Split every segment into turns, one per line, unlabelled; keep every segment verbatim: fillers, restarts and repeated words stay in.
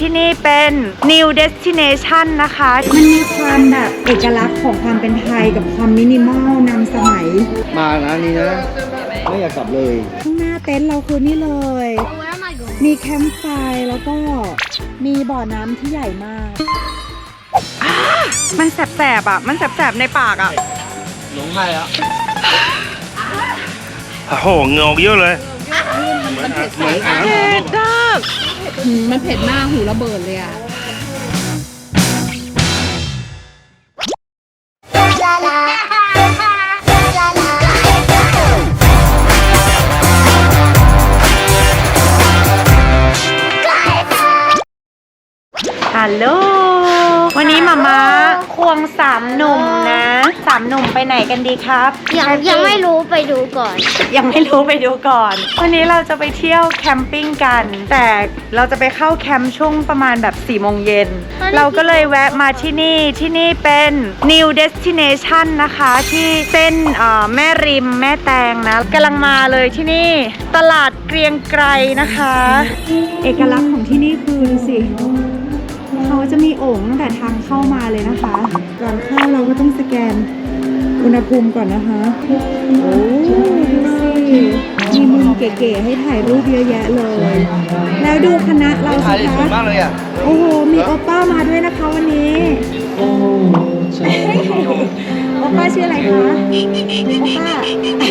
ที่นี่เป็น New Destination นะคะมันมีความแบบเอกลักษณ์ของความเป็นไทยกับความมินิมอลนำสมัย
มานะนี่นะไม่อยากกลับเลย
ข้างหน้าเต็นท์เราคือนี่เลยมีแคมป์ไฟแล้วก็มีบ่อน้ำที่ใหญ่มากมันแสบๆอ่ะมันแสบๆในปากอ่ะ
หลงไห้อ่ะ
โอ้โหเงาเยอะเลย
มันเผ็ดเผ็ดมาก
มันเผ็ดมากหูระเบิดเลยอ่ะ
ฮัลโหลวันนี้มาม่าควงสามหนุ่มนะสามหนุ่มไปไหนกันดีครับ
ยังยังไม่รู้ไปดูก่อน
ยังไม่รู้ไปดูก่อนวันนี้เราจะไปเที่ยวแคมปิ้งกันแต่เราจะไปเข้าแคมป์ช่วงประมาณแบบสี่โมงเย็นเราก็เลยแวะมาที่นี่ที่นี่เป็น New Destination นะคะที่เส้นแม่ริมแม่แตงนะกำลังมาเลยที่นี่ตลาดเกรียงไกรนะคะเอกลักษณ์ของที่นี่คือดูสิเขาจะมีโอ่งตั้งแต่ทางเข้ามาเลยนะคะก่อนเข้าเราก็ต้องสแกนอุณหภูมิก่อนนะคะโอ้ดูสิมีมุมเก๋ๆให้ถ่ายรูปเยอะแยะเลยแล้วดูคณะเราสิคะ
มากเลยอ่ะ
โอ้โหมีโอป้ามาด้วยนะคะวันนี้โอป้าชื่ออะไรคะโอป้า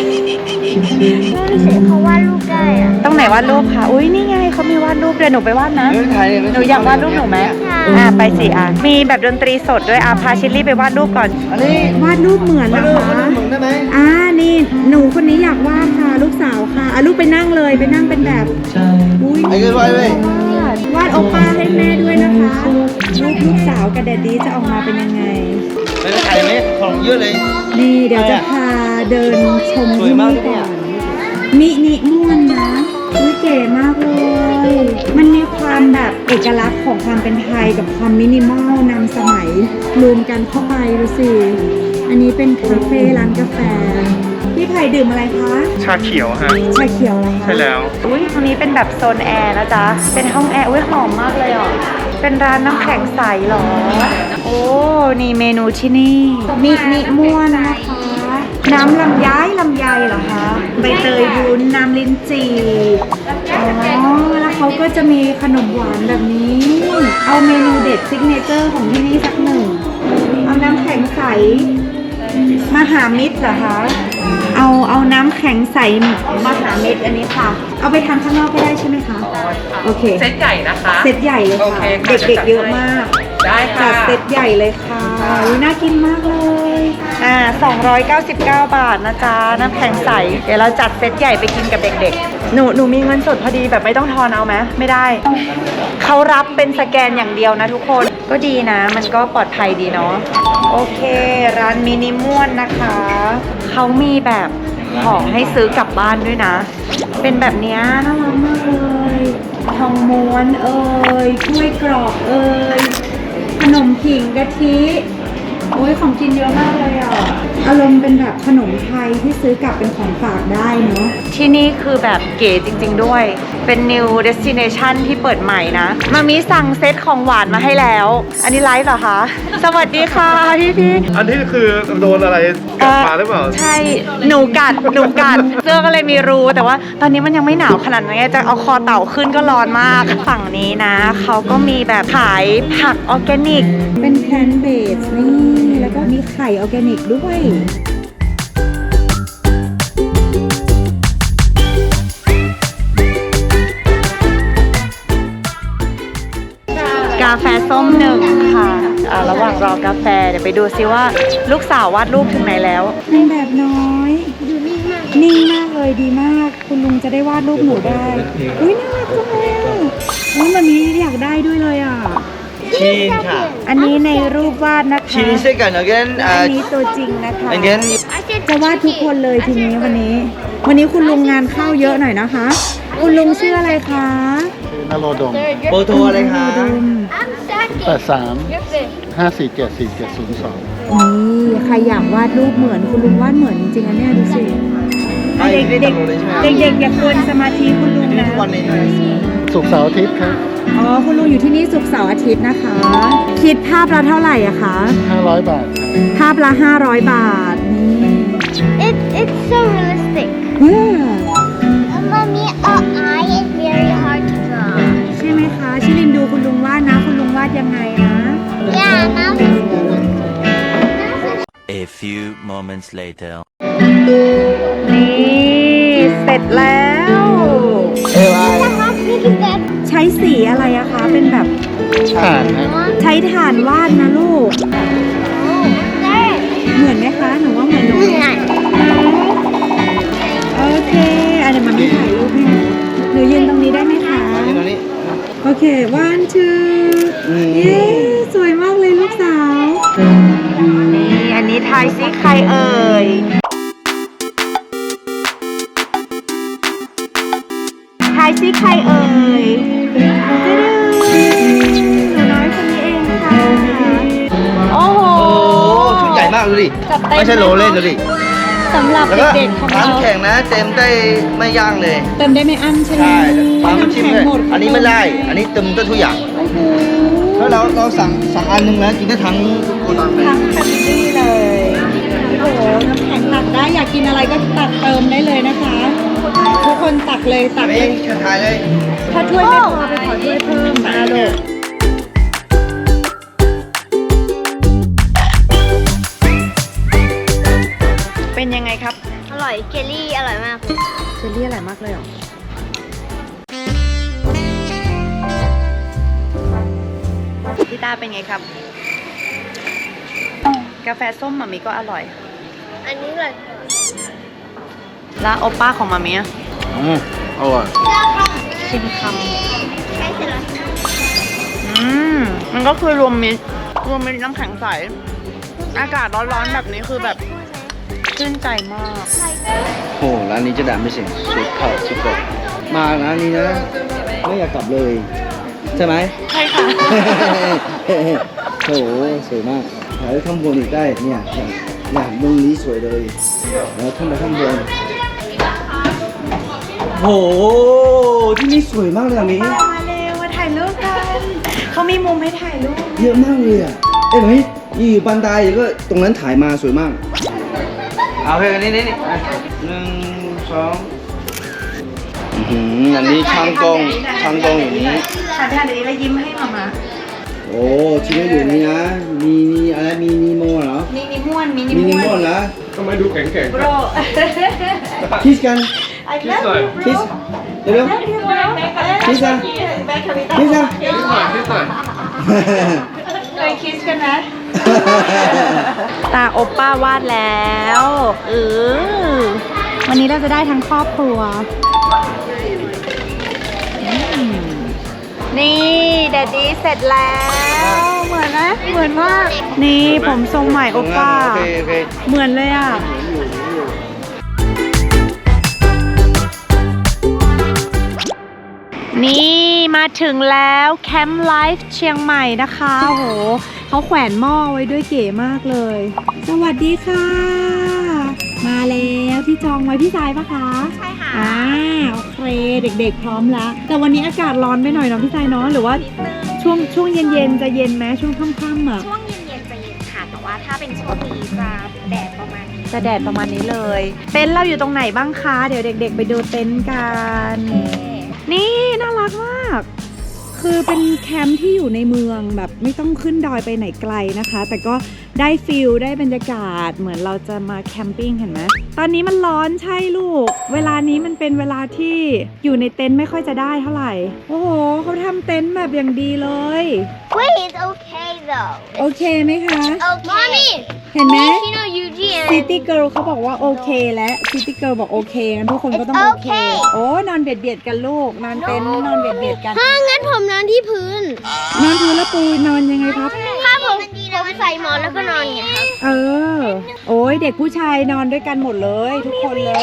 เขาวาดรูปได้อะ
ตรงไหนวาดรูปคะอุ้ยนี่ไงเขามีวาดรูปเดี๋ยวหนูไปวาดนะหนูอยากวาดรูปหนูไหมอ่าไปสิอ่ะมีแบบดนตรีสดด้วยอ่ะพาชิลลี่ไปวาดรูปก่อน
อันนี้
วาดรูปเหมือนเหรอคะ
ได้ไหม
อ่านี่หนูคนนี้อยากวาดค่ะลูกสาวค่ะอ่ะลูกไปนั่งเลยไปนั่งเป็นแบบอุ้ย
ไอ้เกินไปเล
ยวาดโอป้าให้แม่ด้วยนะคะลูกลูกสาวกับแดดดี้จะออกมาเป็นยังไง
ไม่ได้ถ่ายไหมของเยอะเลย
นี่เดี๋ยวจะพาเดินชมที่นี่ก่อนมินิม่วนนะอุ้ยเก๋มากเลยมันมีความแบบเอกลักษณ์ของความเป็นไทยกับความมินิมอลนำสมัยรวมกันเข้าไปดูสิอันนี้เป็นคาเฟ่ร้านกาแฟพี่ไผ่ดื่มอะไรคะ
ชาเขียวฮะ
ชาเขียวอะไรคะ
ใช่แล้ว
อุ้ยตรงนี้เป็นแบบโซนแอร์นะจ๊ะเป็นห้องแอร์อุ้ยหอมมากเลยอ่ะเป็นร้านน้ำแข็งใสหรอโอ้นี่เมนูที่นี่มินิม่วนนะคะน้ำลำไยลำไยเหรอคะใบเตยวุ้นน้ำลิ้นจี่อ๋อแล้วเขาก็จะมีขนมหวานแบบนี้เอาเมนูเด็ดซิกเนเจอร์ของที่นี่สักหนึ่งเอาน้ำแข็งใสมหามิตรเหรอคะเอาเอาน้ำแข็งใสมหามิตรอันนี้ค่ะเอาไปทานข้างนอกก็ได้ใช่ไหมคะโอเค
เซตใหญ่นะคะ
เซตใหญ่เลยค่ะเด็กๆเยอะมาก
ได้ค่ะ
จัดเซตใหญ่เลยค่ะน่ากินมากเลยอ่าสองร้อยเก้าสิบเก้าบาทนะจ๊ะน้ำแข็งใสเดี๋ยวเราจัดเซตใหญ่ไปกินกับเด็กๆหนูหนูมีเงินสดพอดีแบบไม่ต้องทอนเอาไหมไม่ได้เขารับเป็นสแกนอย่างเดียวนะทุกคนก็ดีนะมันก็ปลอดภัยดีเนาะโอเคร้านมินิม่วนนะคะเขามีแบบของให้ซื้อกลับบ้านด้วยนะเป็นแบบนี้น่ารักมากเลยทองม้วนเอ่ยกล้วยกรอบเอ่ยขนมผิงกะทิโอ้ยของกินเยอะมากเลยอ่ะอารมณ์เป็นแบบขนมไทยที่ซื้อกลับเป็นของฝากได้เนาะที่นี่คือแบบเก๋จริงๆด้วยเป็น New Destination ที่เปิดใหม่นะมามีสั่งเซตของหวานมาให้แล้วอันนี้ไลฟ์เหรอคะสวัสดีค่ะพี่พี่
อันนี้คือโดนอะไรกัดมาหรือเปล่า
ใช่หนูกัดหนูกัดเสื้อก็เลยมีรูแต่ว่าตอนนี้มันยังไม่หนาวขนาดนั้นจะเอาคอเต่าขึ้นก็ร้อนมากฝั่งนี้นะเขาก็มีแบบขายผักออร์แกนิกเป็นแพลนเบสนี่แล้วก็มีไข่ออร์แกนิกด้วยกาแฟส้มหนึ่งค่ะอ่าระหว่างรอกาแฟเดี๋ยวไปดูซิว่าลูกสาววาดรูปถึงไหนแล้วนางแบบน้อย
ดูนิ่งมาก
นิ่งมากเลยดีมากคุณลุงจะได้วาดรูปหนูได้อุ้ยน่ารักจังเลยอ่ะอุ้ยมันมีอยากได้ด้วยเลยอ่ะ
ชีนค่ะ
อันนี้ในรูปวาดนะคะ
ชีนเซกัน again
อันนี้ตัวจริงนะคะ
again
จะวาดทุกคนเลยทีนี้วันนี้วันนี้คุณลุงงานเข้าเยอะหน่อยนะคะคุณลุงชื่ออะไรคะ
นโรดม
โปรโทรอะไรคะ
แปดสามห้าสี่เจ็ดสี่เจ็ดศูนย์สอง
นี่ใครอยากวาดรูปเหมือนคุณลุงวาดเหมือนจริงๆนะเนี่ยดูสิเด็กเด็กเด็กเด็กอย่าเกินสมาธิคุณลุงนะ
ศุกร์เสาร์อาทิตย์ครับ
อ๋อ คุณลุงอยู่ที่นี่ศุกร์เสาร์อาทิตย์นะคะ คิดภาพละเท่าไหร่อะคะ
ห้าร้อยบาทครับ
ภาพละห้าร้อยบาท นี่
It it's so realistic.
ว้า
Mommy, a eye is very hard to draw.
ใช่ไหมคะ ชิลินดูคุณลุงวาดนะ คุณลุงวาดยังไงนะ
Yeah, now this
A few moments later.
นี่ เสร็จแล้ว
เอวไอ
how big is that?
ใช้สีอะไรอะคะ เป็นแบบ
ผ่านครับ
ใช้ถ่านวาดนะลูก
Oh, there.
เหมือนไหมคะ หนูว่าเหมือนหนู โอเคอันเดี๋ยวมันมีถ่ายรูปให้หนูหนูยืนตรงนี้ได้ไหมคะ
มาที่ตรงนี้
โอเค one two
อืม
เย้ สวยมากเลยลูกสาว นี่ อันนี้ทายซิใครเอ่ย ทายซิใครเอ่ยหนูน้อยคนนี้เองค่ะ โอ้โห
โอ้ชุดใหญ่มากดูดิ
จัดเต็ม
ไม่ใช่โรลเล่นดูดิ
สำหรับ
แล้วก็
เด็กๆของเรา
น้ำแข็งนะเต็มได้ไม่ย่างเลย
เติมได้ไม่อั้นใช่ไหม
ใช่ปั๊ม
น้ำ
ชิม
แข็ง
เลย
หมด
อันนี้ไม่ได้ อันนี้เต็มได้ทุกอย่าง
โอ้โห
แล้วเราเราสั่งสั่งอันหนึงแล้วกินได้ทั้งโกดังเลย
ทั้งแฟมิลี่เลย โอ้โห น้ำแข็งตักได้อยากกินอะไรก็ตักเติมได้เลยนะคะ ทุกคนตักเลยตักเล
นี่
ย
เชิญทายเลย
ถ้าถ้วยไม่พอไปขอถ้วยเพิ่มมาลูกเป็นยังไงครับ
อร่อยเจลลี่อร่อยมาก
เจลลี่อร่อยมากเลยเหรอ พี่ตาเป็นไงครับ กาแฟส้มหมามีก็อร่อย
อันนี้เลย
แล้วโอป้าของหมามีอะ
อืมอร่อย
ชิมค
ใช่เสร็จแล้ว
ำอืม มันก็คือรวมมิตรรวมมิตรน้ำแข็งใส อากาศร้อนๆแบบนี้คือแบบชื่นใจมาก
โอ้ร้านนี้จะด่าไม่เสียงสุดเข้าสุดกดมาร้านนี้นะ ไม่อยากกลับเลย ใช่ไหม
ใช่ค่ะ
โอ้โหสวยมากถ่ายข้างบนอีกได้เนี่ยอย่างอย่างตรงนี้สวยเลยแล้วขึ้นไปข้างบนโอ้โหที่นี่สวยมากเลยอ่ะมี
มาเร็วมาถ่ายรูปกัน เขามีมุมให้ถ่ายรูป
เยอะมากเลยอ่ะเอ้ยไหมนี่อยู่บันไดก็ตรงนั้นถ่ายมาสวยมากเอาเพลงนี้นี่นี่หนึ่งสองอื้อหืออันนี้ช่างกล้องช่างกล้องอย่างนี้
ค่ะเดี๋ยวนี้แล้วยิ้มให้มามา
โอ้ชิ้นก็อยู่นี่นะ มีมีอะไร มีนีโมเหรอ
มินิม่วนมินิ
มีนี
ม่
โม
วน
เหรอ
ทำไมดูแข็งแข็ง
โบร
คิสกัน
I love you
คิสเร็ว
Love you bro
คิสกัน
แม่คาวิตา
คิสกัน
นิดหน่อยนิดหน่อย
เคยคิสกันนะ ตาโอปป้าวาดแล้วเออวันนี้เราจะได้ทั้งครอบครัวอืมนี่แดดดี้เสร็จแล้ว เหมือนไหมเหมือนมากนี่ผมทรงใหม่โอปป้า
โอเคโอเค
เหมือนเลยอ่ะ นี่มาถึงแล้วแคมป์ไลฟ์เชียงใหม่นะคะโอ้โหเขาแขวนหม้อไว้ด้วยเก๋มากเลย สวัสดีค่ะ มาแล้วที่จองไว้พี่สายปะคะ
ใช่ค่ะ
อ่าโอเคเด็กๆพร้อมแล้ว แต่วันนี้อากาศร้อนไปหน่อยเนาะพี่สายเนาะหรือว่าช่วงช่วงเย็นๆจะเย็นไหมช่วงค่ำๆอ่ะ
ช่วงเย็นๆจะเย็นค่ะ แต่ว่าถ้าเป็นช่วงนี้จะแดดประมาณนี้
จะแดดประมาณนี้เลย เต็นท์เราอยู่ตรงไหนบ้างคะ เดี๋ยวเด็กๆไปดูเต็นท์กัน นี่น่ารักมาก คือเป็นแคมป์ที่อยู่ในเมืองแบบไม่ต้องขึ้นดอยไปไหนไกลนะคะ แต่ก็ได้ฟิลได้บรรยากาศเหมือนเราจะมาแคมปิ้งเห็นไหมตอนนี้มันร้อนใช่ลูก เวลานี้มันเป็นเวลาที่อยู่ในเต็นท์ไม่ค่อยจะได้เท่าไหร่ โอ้โหเขาทำเต็นท์แบบอย่างดีเลย
Wait, it's okay though.
โอเคไหมคะ
Okay. Mommy,
เห็นไหม
Shino Eugene.
ซิตี้เกิร์ลเขาบอกว่าโอเคและซิตี้เกิร์ลบอกโอเคงั้นทุกคนก็ต้องโอเค
It's okay
โอ้นอนเบียดเบียดกันลูก นอนเต็นท์นอนเบียดเบียดกัน
ถ้างั้นผมนอนที่พื้น
นอนพื้นแล้วปูนอนยังไงครับ
ถ้าผมผมใส่หมอนแล้วก็นอนไงครับ
เออ โอ้ยเด็กผู้ชายนอนด้วยกันหมดเลย ทุกคนเลย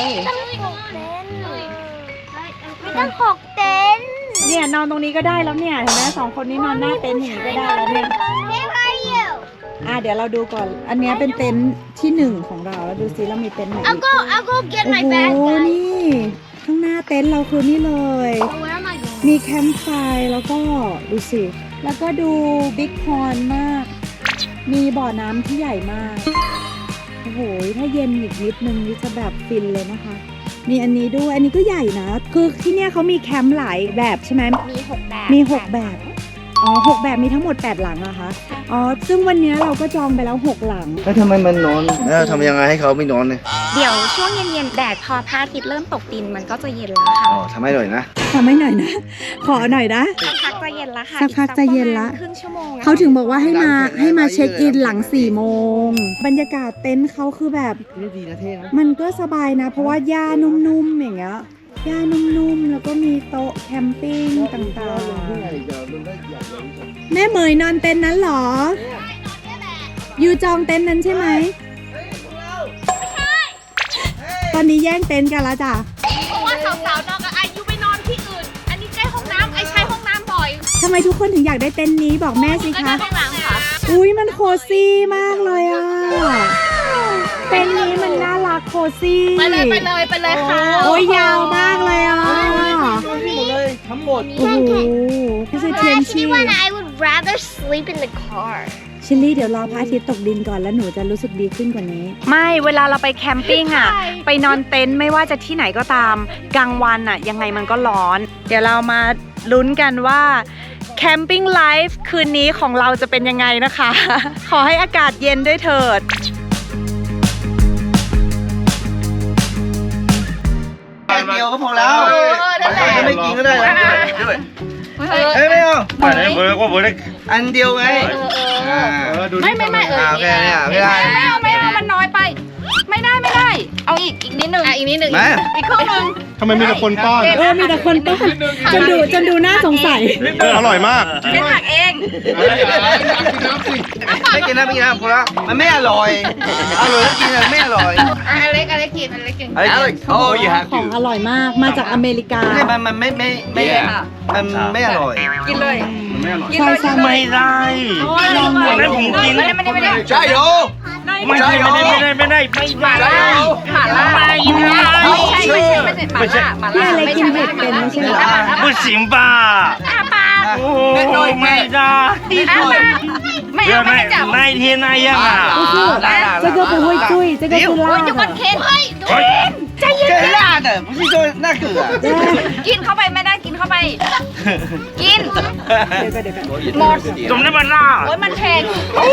ไม่ต้องหกเต็นท์
เนี่ยนอนตรงนี้ก็ได้แล้วเนี่ยเห็นไหมสองคนนี้นอนหน้าเต็นท์อย่างนี้ก็ได้แล้วเนี่ย
Where are you?
อ่ะเดี๋ยวเราดูก่อน อันเนี้ยเป็นเต็นท์ที่หนึ่งของเราแล้วดูซิเรามีเต็นท์ไหนอี
I'll
ก
go. I'll go get
โอ้
my
โห
bag. guys.
นี่ข้างหน้าเต็นท์เราคือนี่เลย
Where am I going?
มีแคมป์ไฟแล้วก็ดูสิ แล้วก็ดูบิ๊กพอนมาก มีบ่อน้ำที่ใหญ่มาก โอ้โห ถ้าเย็นอีกนิดนึงนี่จะแบบฟินเลยนะคะ มีอันนี้ด้วย อันนี้ก็ใหญ่นะ คือที่เนี่ยเขามีแคมป์หลายแบบใช่ไหม
มีหกแบบ
มีหกแบบ อ๋อหกแบบมีทั้งหมดแปดหลังเหรอะคะ อ๋อ ซึ่งวันนี้เราก็จองไปแล้วหกหลัง
แล้วทำไมมันนอนแล้วทำยังไงให้เขาไม่นอนเนี่ย
เดี๋ยวช่วงเย็นๆแดดพอพระอาทิตย์เริ่มตกดินมันก็จะเย็นแล้วค่ะ
อ๋อทำให้หน่อยนะ
ทำให้หน่อยนะ ขอหน่อยนะ
สักพักจะเย็นแล้วค่ะ
สักพักจะเย็นละ
อีกสักประมาณครึ่งชั่วโมงอะ
เขาถึงบอกว่าให้มาให้มาเช็คอินหลังสี่โมง บรรยากาศเต็นท์เขาคือแบบ
นี่ดีนะเท่นะ
มันก็สบายนะ เพราะว่าหญ้านุ่มๆอย่างเงี้ยหญ้านุ่มๆ แล้วก็มีโต๊ะแคมปิ้งต่างๆ แม่เหมยนอนเต็นท์นั้นเหรอ อยู่จองเต็นท์นั้นใช่ไหมตอนนี้แย่งเต็นท์กันแล้วจ้ะ
เพราะว่าสาวๆนอนกับอายุไปนอนที่อื่น อันนี้ใกล้ห้องน้ำไอใช้ห้องน้ำบ่อย
ทำไมทุกคนถึงอยากได้เต็นท์นี้บอกแม่สิ
ก็
คะ
ได้ห้องน้ำค่ะ
อุ้ยมันโคซี่มากเลยอ่ะ เต็นท์นี้มันน่ารักโคซี่
ไปเลยไปเลยไปเลยค่ะ
โอ้ยยาวมากเลยอ่ะ
นี่หมดเลยทั้งหมด
โอ้โหนี่คือเทียนชี
Actually, when I would rather sleep in the car.
ชิลลี่เดี๋ยวรอพระอาทิตย์ตกดินก่อนแล้วหนูจะรู้สึกดีขึ้นกว่านี้ ไม่เวลาเราไปแคมปิ้งอ่ะ ไปนอนเต็นท์ไม่ว่าจะที่ไหนก็ตามกลางวันอ่ะยังไงมันก็ร้อน เดี๋ยวเรามาลุ้นกันว่าแคมปิ้งไลฟ์คืนนี้ของเราจะเป็นยังไงนะคะ ขอให้อากาศเย็นด้วยเถิด
อันเดียวก็พอแล้วไม่กินก็ได้นะด้วยเฮ้ยไม่เอา
ไปไหนเบอร์ก็เบอร์ได้
อันเดียวไง
ไม่ไม่ไม่เออ
โอเคเนี่ยไม่ได้
ไม่เอาไม่เอามันน้อยไป ไม่ได้ไม่ได้ เอาอีกอีกนิดนึงอ่ะอีกนิดนึง
มา
อีกครึ่งนึง
ทำไมมีแต่คนป้อน
เออมีแต่คนป้อนจนดูจนดูน่าสงสัย
อร่อยมาก
เป็นผักเอง
ไม่กินนะไม่กินนะพอแล้วมันไม่อร่อยอร่อยแล้วกินไม่อร่อย
อ่ะอเล็กอเล็กกินอเล็กกิน
อร่อยโอ้ยฮะ
ของอร่อยมากมาจากอเมริกา
ไม่มันมันไม่ไม่ไม่มันไม่อร่อย
กินเลย
ใช่ใช่
ไม่ได้
ลองเลย
ไม่ผมกิน
ไม่ได้ไม่ได้ไม่ได้
ใช่โย
ไม่ได้ไม่ได้ไม่ได้ไม่ได้ไม่ได้
หม่าล่าหม่าล่าไม่ใช่ไม่ใช่ไม่ใช่หม่าล่าหม่า
พี่
ล่า
อะไร
ไม่
กิน
ใช่
เผ็ดเป็นไม่ใช่เหรอ
不行吧โอ้ไม่ได้
ไม่
เดี๋ย
เอา
ว
ไม่
那
จับ
那一天那样啊
这个不会醉这个是辣
จุ
的
กอนเคนเฮ้ย
这辣的不是说那个
กินเข้าไปไม่ได้กินเข้าไป กิน
เดี๋ยวก่อนเดี๋ยวก่อน
หมด
怎么那么辣
โอ้ยมันเผ็ด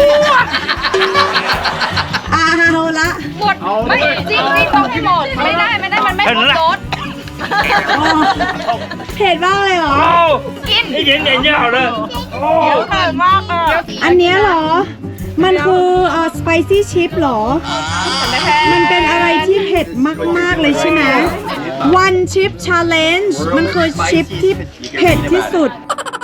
อ่าเอาละ
หมดไม่จริงจริงต้องให้หมดไม่ได้ไม่ได้มันไม่ครบรส
อ๋อเผ็ดมากเลยเหรอ
哦
กิน
一点点就好了
เดี๋ยว
哦
เผ็ดมากอ่ะ
อันเนี้ยเหรอ มันคือเอ่อ spicy chip เหรอ มันเป็นอะไรที่เผ็ดมาก ๆ เลยใช่ไหม one chip challenge มันคือชิปที่เผ็ดที่สุด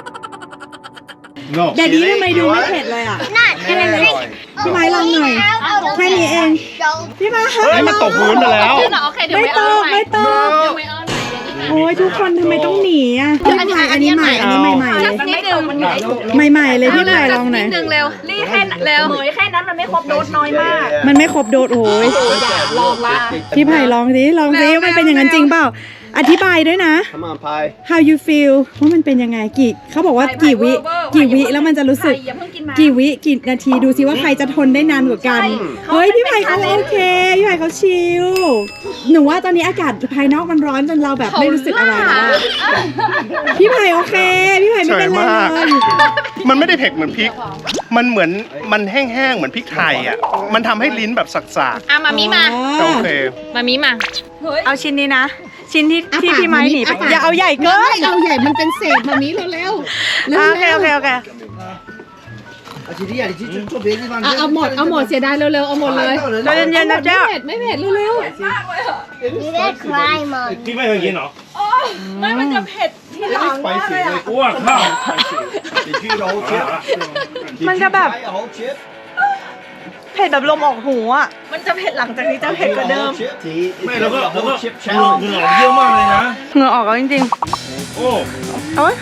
no
เดี๋ยวนี้ทำไมดูไม่เผ็ดเลยอ่ะ
Not gonna
พี่ไม้ลองหน่อย แค่นี้เอง พี่ไม้
เฮ้ยมันตกพื้นไปแล้ว
โอเคเดี๋ยว
ไม่
ไม่
ต
เอา
กไม่ตกโอ้ยทุกคนทำไมต้องหนีอ่ะพี่ไผ่อันนี้ใหม่ อันนี้ใหม่ๆเลย
นิดนึงมันใหญ่
ใหม่ๆเลยพี่ไผ่ลองหน่อย
นิดนึงเร็วรีแค่เร็วเหมยแค่นั้นมันไม่ครบโดสน้อยมาก
มันไม่ครบโดสโอ้ย
ลองละ
พี่ไผ่ลองสิลองสิว่ามันเป็นอย่างนั้นจริงเปล่า อธิบายด้วยนะ
Come on pie
how you feel ว่ามันเป็นยังไงกี่เขาบอกว่ากี่วิกี่วิแล้วมันจะรู้สึก
อย่าเพิ่งกินมา
กี่วิกี่นาทีดูซิว่าใครจะทนได้นานกว่ากัน เฮ้ยพี่ไผ่เขาโอเคพี่ไผ่เขาชิลหนูว่าตอนนี้อากาศภายนอกมันร้อนจนเราแบบไม่รู้สึกอะไรแล้วอะพี่ไผ่โอเค พี่ไผ่ไม่เป็นไรเลย
มันไม่ได้เผ็ดเหมือนพริก มันเหมือนมันแห้งๆเหมือนพริกไทยอ่ะมันทำให้ลิ้นแบบสัก
อ่ะมามีมา
ๆโอเค
มามีมา
เอาชิ้นนี้นะ ชิ้นที่
อ่ะ
ที่
ปาก
พี่ไม้หนีไป
อ่ะปาก
อย่าเอาใหญ่เกิน
เอาใหญ่มันเป็นเศษมามีเร็วๆ
อ่ะโอเคโอเคโอเค
啊，姐弟啊，你去去坐别的地方。
เอาเอาหมดเอาหมดเสียดายเร็วๆเอาหมดเลย
ใจเย็นๆนะเจ้า
ไม่เผ็ดไม่เผ็ดเร็ว
You gotta cry, Mom.
พี่ไม่เคยกินเหรอ
ไม่มันจะเผ็ดที่หลังมากเลยอะ
ว้าข้าว
你去揉切，
มันจะแบบ
揉切，
เผ็ดแบบลมออกหูอ่ะ มันจะเผ็ดหลังจากนี้จะเผ็ดกว่าเดิม
ไม่แล้วก็แล้วก็เหงื่อเหงื่อเยอะมากเลยนะ
เหงื่อออกแล้วจริง
โอ้
ๆโอ๊ย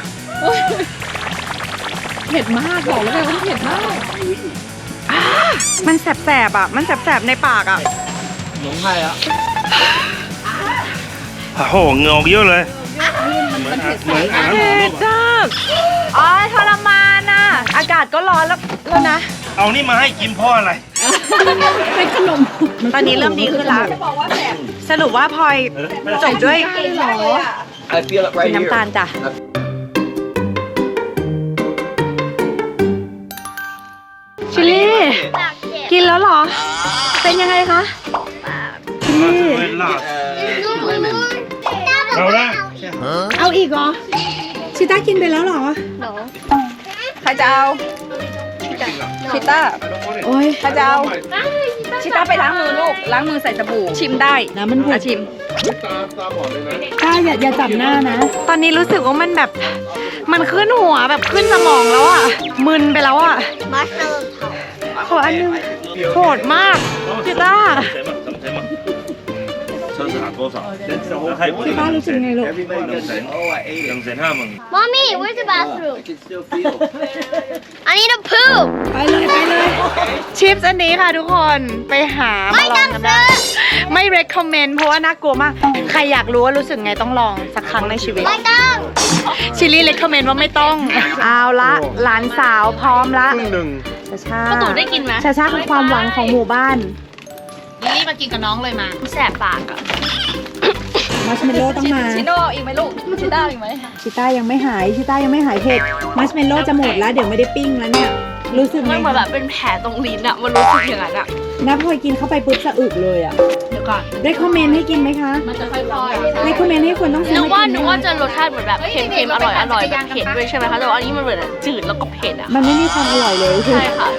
ๆเผ็ดมากบอกแล้วไงว่าเผ็ดมาก
มันแสบๆอ่ะ มันแสบๆในปากอ่ะ
浓害啊！
โอ้โหเหงื่อออกเยอะเลย
เ
มันมันเผ็ดใสนะ
เผ็ดจ้าอ๋อทรมานอ่ะ อากาศก็ร้อนแล้วแล้วนะ
เอานี่มาให้กินเพราะอะไร
เป็นขนม
ตอนนี้เริ่มดีขึ้นแล้วสรุปว่าพลอยจบด้วย
I feel it right
น้ำตาล
here
จ้ะ ชิลลี่
ปากเจ็บ
กินแล้วเหรอ เป็นยังไงคะชิลลี่
เอาละ
เอาอีกเหรอ ชิต้ากินไปแล้วเหรอ ใครจะเอา ชิต้า โอ้ยใครจะเอา
ชิต้าไปล้างมือลูก ล้างมือใส่สบู่ ชิมได้นะมันอ่ะชิม
ต้าอย่าอย่าจับหน้านะ ตอนนี้รู้สึกว่ามันแบบ มันขึ้นหัวแบบขึ้นสมองแล้วอ่ะ มึนไปแล้วอ่ะ
มัสเตอร์
ขออันนึงโหดมากชิต้า ป้ารู้สึกไงลูก
Mommy where's the bathroom
I can still feel
I need a poop
ไปเลยไปเลย ชิปส์อันนี้ค่ะทุกคนไปหามาลองกันได้ ไม่ recommend เพราะว่าน่ากลัวมาก ใครอยากรู้ว่ารู้สึกไงต้องลองสักครั้งในชีวิต
ไม่ต้อง
ชิลลี่ recommend ว่าไม่ต้อง เอาละหลานสาวพร้อมละ
ครึ่งหนึ่ง
ชาชา
ประตูได้กินไหม
ชาชาคือความหวังของหมู่บ้าน
ลิลลี่มากินกับน้องเลยมา แสบปากอ่ะ
มัชเมลโล่ต้องมา
ชิโน่อีกไหมลูก ชิต้าอีกไหม
ชิต้ายังไม่หายชิต้ายังไม่หายเผ็ดมัชเมลโล่จะหมดแล้วเดี๋ยวไม่ได้ปิ้งแล้วเนี่ย รู้สึกไง
มันเหมือนแบบเป็นแผลตรงลิ้นอ่ะ มันรู้สึกอย่างนั้นอ่ะ
นับพลอยกินเข้าไปปุ๊บสะอึกเลยอ่ะ
เดี๋ยวก่อน
ได้คอมเมนต์ให้กินไหมคะ
มันจะค่อยๆ
ได้คอมเมนต์ให้คนต้องซื้
นึ
อก
ว่า
มากิน
นึก
ไหม
ว่าจะรสชาติเหมือนแบบเค็มๆ อร่อยอร่อยแบบเผ็ดด้วยใช่ไหมคะ แต่ว่าอันนี้มันเหมือนจืดแล้วก็เผ็ดอ่ะ
มันไม่มีความอร่อยเลยคือ
ใช่ค่ะ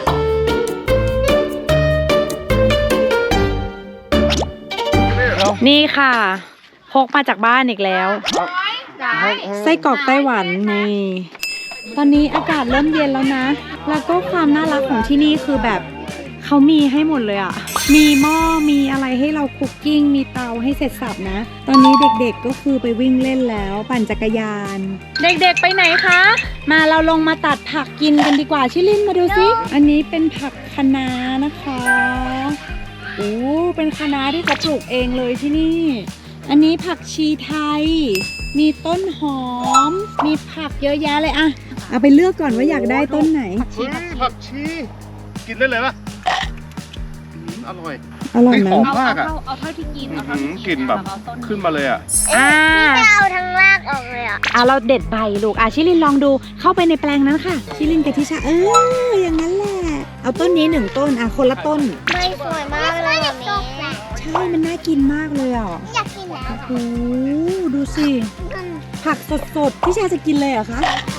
นี่ค่ะพกมาจากบ้านอีกแล้วไส้กรอกไต้หวันนี่ ตอนนี้อากาศเริ่มเย็นแล้วนะ แล้วก็ความน่ารักของที่นี่คือแบบเขามีให้หมดเลยอ่ะ มีหม้อมีอะไรให้เราคุกกิ้งมีเตาให้เสร็จสับนะ ตอนนี้เด็กๆก็คือไปวิ่งเล่นแล้วปั่นจักรยาน เด็กๆไปไหนคะ มาเราลงมาตัดผักกินกันดีกว่าชิลินมาดูสิอันนี้เป็นผักคะน้านะคะโอ้เป็นคะน้าที่เขาปลูกเองเลยที่นี่ อันนี้ผักชีไทย มีต้นหอม มีผักเยอะแยะเลยอะเอาไปเลือกก่อนว่าอยากได้ต้นไหน
เฮ้ยผักชี กินได้เลยปะอืมอร่อย
อร่อยไหม
เฮ้ยหอมมากอะ
เอาเอาเท่าที่กิน เอา
อื้อ
เท่า
หือ
ที่
กลิ่นแบบ
เอาต้น
ขึ้นมาเลยอ่ะ
อ่า
จะเอาทั้งรากออกเลยอ่ะ
อ่ะเราเด็ดใบลูกอ่ะชิลินลองดูเข้าไปในแปลงนั้นค่ะ ชิลินกับทิชาเอออย่างนั้นแหละ เอาต้นนี้หนึ่งต้นอ่ะคนละต้น
ไม่สวยมากเลยแบบนี้
ใช่มันน่ากินมากเลยอ่ะ
อยากกินแล้ว
โอ้โหดูสิ ผักสดๆทิชาจะกินเลยเหรอคะ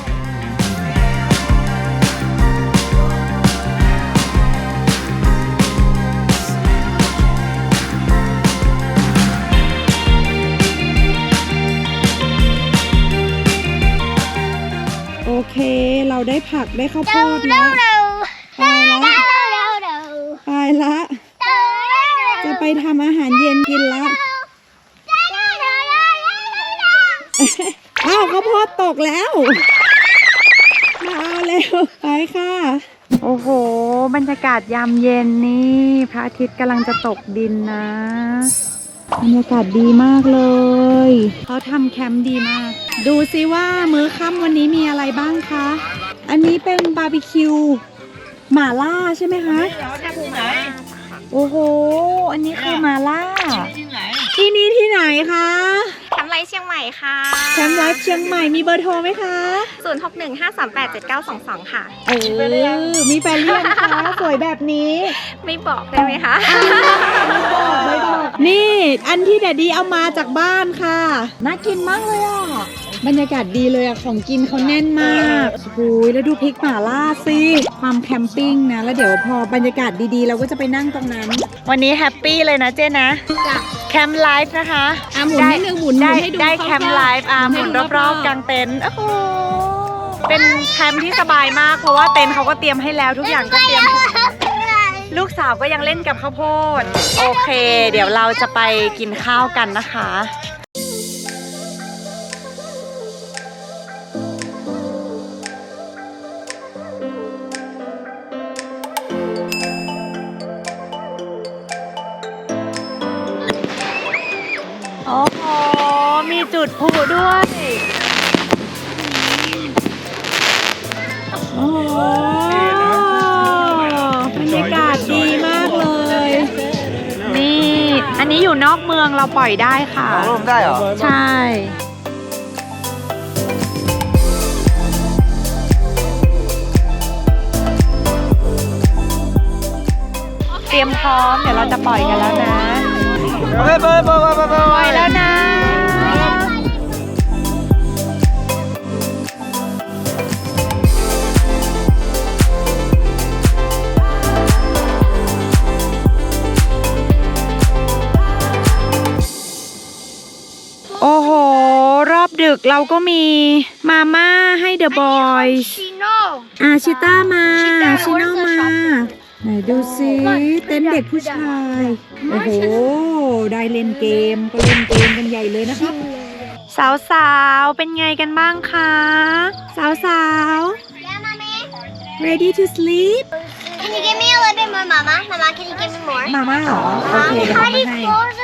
โอเค เราได้ผักได้ข้าวโพดแล้ว
เร็ว
ไปละ
เร็วเร็วเร็ว
ไปละ จะไปทำอาหารเย็นกินละ อ้าวข้าวโพดตกแล้ว มาเอาเร็วไปค่ะ โอ้โห บรรยากาศยามเย็นนี่พระอาทิตย์กำลังจะตกดินนะ บรรยากาศดีมากเลย เขาทำแคมป์ดีมาก ดูซิว่ามื้อค่ำวันนี้มีอะไรบ้างคะ อันนี้เป็นบาร์บีคิวหม่าล่าใช่ไหมคะ โอ้โห อันนี้คือหม่าล่า ที่นี่ที่ไหนคะ
ทำไรเชียงใหม่ค่ะ
แคมป์ไลฟ์เชียงใหม่มีเบอร์โทรไหมคะ
ศูนย์ หก หนึ่ง ห้า สาม แปด เจ็ด เก้า สอง สอง ค่ะ
เออ มีแฟนเรียนคะ สวยแบบนี้
ไม่บอกได้ไหมคะ
ไม่บอกนี่ อันที่แดดดีเอามาจากบ้านค่ะ น่ากินมากเลยอ่ะ บรรยากาศดีเลยอ่ะ ของกินเขาแน่นมากโอ้โหแล้วดูพริกหม่าล่าสิความแคมปิ้งนะ แล้วเดี๋ยวพอบรรยากาศดีๆ เราก็จะไปนั่งตรงนั้น วันนี้แฮปปี้เลยนะเจ๊นะ แคมป์ไลฟ์นะคะ
อ่ะหมุนนิดนึงหมุน
ได้
ให้ดู
ได้
คร่าวๆ
แคมป์ไลฟ์อ่ะห
หมุ
มุน
นให้ดู
รอบ
ๆ
ๆกลางเต็นท์โอ้โหเป็นแคมป์ที่สบายมาก เพราะว่าเต็นท์เขาก็เตรียมให้แล้วทุกอย่างก็เตรียม ลูกสาวก็ยังเล่นกับข้าวโพด โอเค เดี๋ยวเราจะไปกินข้าวกันนะคะ โอ้โห มีจุดพลุด้วยโอ้โหบรรยากาศดีมากเลย นี่ อันนี้อยู่นอกเมืองเราปล่อยได้ค่ะ
ของลมได้เหรอ
ใช่ เตรียมพร้อม เดี๋ยวเราจะปล่อยกันแล้วนะ
โอเคไปไปไปไปไป
ปล่อยแล้วนะ โอ้โห รอบดึกเราก็มีมาม่าให้เดอะบอยส์
ชิโน่
อาชิต้ามาชิโน่มา ไหนดูซิเต้นเด็กผู้ชาย โอ้โห ได้เล่นเกมก็เล่นเกมกันใหญ่เลยนะครับ สาวๆ เป็นไงกันบ้างคะ สาว
Yeah, mommy.
ๆ ready to sleep
Can you give me a little bit more, mama? Mama, can you give me more?
มาม่าเหรอ โอเค
Mom,
เดี๋ยว
how
เอา
do
มา
you
ให้
close